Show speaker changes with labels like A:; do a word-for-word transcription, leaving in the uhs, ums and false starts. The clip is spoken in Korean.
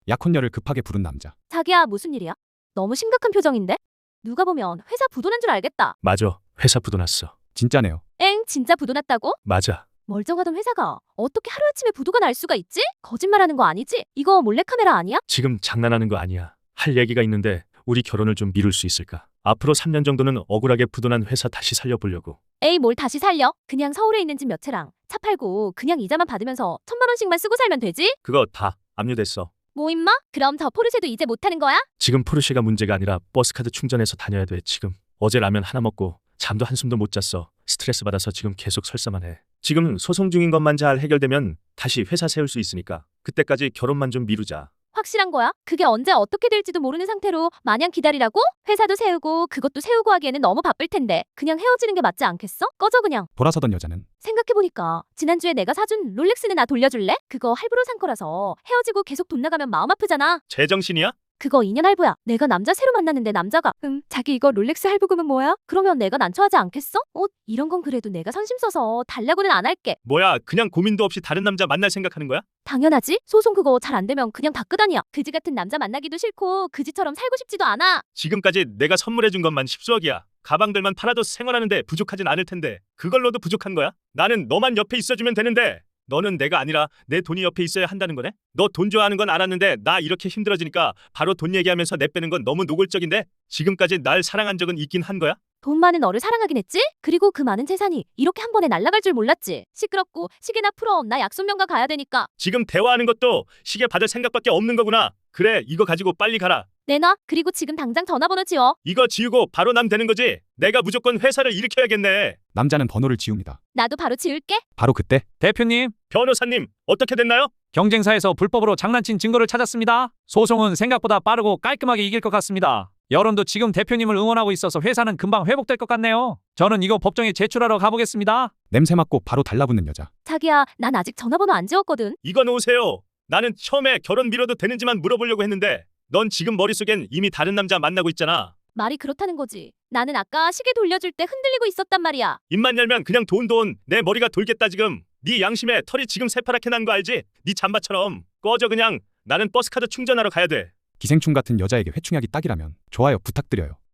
A: 약혼녀를 급하게 부른 남자.
B: 자기야, 무슨 일이야? 너무 심각한 표정인데? 누가 보면 회사 부도난 줄 알겠다.
C: 맞아. 회사 부도 났어.
A: 진짜네요.
B: 엥, 진짜 부도 났다고?
C: 맞아.
B: 멀쩡하던 회사가 어떻게 하루아침에 부도가 날 수가 있지? 거짓말하는 거 아니지? 이거 몰래카메라 아니야?
C: 지금 장난하는 거 아니야. 할 얘기가 있는데 우리 결혼을 좀 미룰 수 있을까? 앞으로 삼 년 정도는 억울하게 부도난 회사 다시 살려보려고.
B: 에이, 뭘 다시 살려? 그냥 서울에 있는 집 몇 채랑 차 팔고 그냥 이자만 받으면서 천만 원씩만 쓰고 살면 되지?
C: 그거 다 압류됐어.
B: 뭐 임마? 그럼 저 포르쉐도 이제 못 타는 거야?
C: 지금 포르쉐가 문제가 아니라 버스카드 충전해서 다녀야 돼. 지금 어제 라면 하나 먹고 잠도 한숨도 못 잤어. 스트레스 받아서 지금 계속 설사만 해. 지금 소송 중인 것만 잘 해결되면 다시 회사 세울 수 있으니까 그때까지 결혼만 좀 미루자.
B: 확실한 거야? 그게 언제 어떻게 될지도 모르는 상태로 마냥 기다리라고? 회사도 세우고 그것도 세우고 하기에는 너무 바쁠 텐데 그냥 헤어지는 게 맞지 않겠어? 꺼져 그냥.
A: 돌아서던 여자는
B: 생각해보니까 지난주에 내가 사준 롤렉스는 나 돌려줄래? 그거 할부로 산 거라서 헤어지고 계속 돈 나가면 마음 아프잖아.
C: 제정신이야?
B: 그거 이 년 할부야. 내가 남자 새로 만났는데 남자가 음 자기 이거 롤렉스 할부금은 뭐야? 그러면 내가 난처하지 않겠어? 어? 이런 건 그래도 내가 선심 써서 달라고는 안 할게.
C: 뭐야, 그냥 고민도 없이 다른 남자 만날 생각하는 거야?
B: 당연하지. 소송 그거 잘 안 되면 그냥 다 끄다니야. 그지 같은 남자 만나기도 싫고 그지처럼 살고 싶지도 않아.
C: 지금까지 내가 선물해준 것만 십수억이야. 가방들만 팔아도 생활하는데 부족하진 않을 텐데 그걸로도 부족한 거야? 나는 너만 옆에 있어주면 되는데 너는 내가 아니라 내 돈이 옆에 있어야 한다는 거네? 너 돈 좋아하는 건 알았는데 나 이렇게 힘들어지니까 바로 돈 얘기하면서 내빼는 건 너무 노골적인데? 지금까지 날 사랑한 적은 있긴 한 거야?
B: 돈 많은 너를 사랑하긴 했지? 그리고 그 많은 재산이 이렇게 한 번에 날아갈 줄 몰랐지. 시끄럽고 시계나 풀어. 나 약속 명가 가야 되니까.
C: 지금 대화하는 것도 시계 받을 생각밖에 없는 거구나. 그래, 이거 가지고 빨리 가라.
B: 내놔. 그리고 지금 당장 전화번호 지워.
C: 이거 지우고 바로 남 되는 거지? 내가 무조건 회사를 일으켜야겠네.
A: 남자는 번호를 지웁니다.
B: 나도 바로 지울게.
A: 바로 그때
D: 대표님,
C: 변호사님, 어떻게 됐나요?
D: 경쟁사에서 불법으로 장난친 증거를 찾았습니다. 소송은 생각보다 빠르고 깔끔하게 이길 것 같습니다. 여론도 지금 대표님을 응원하고 있어서 회사는 금방 회복될 것 같네요. 저는 이거 법정에 제출하러 가보겠습니다.
A: 냄새 맡고 바로 달라붙는 여자.
B: 자기야, 난 아직 전화번호 안 지웠거든.
C: 이거 놓으세요. 나는 처음에 결혼 미뤄도 되는지만 물어보려고 했는데 넌 지금 머릿속엔 이미 다른 남자 만나고 있잖아.
B: 말이 그렇다는 거지. 나는 아까 시계 돌려줄 때 흔들리고 있었단 말이야.
C: 입만 열면 그냥 돈 돈. 내 머리가 돌겠다 지금. 네 양심에 털이 지금 새파랗게 난 거 알지? 네 잠바처럼. 꺼져 그냥. 나는 버스카드 충전하러 가야 돼.
A: 기생충 같은 여자에게 회충약이 딱이라면 좋아요 부탁드려요.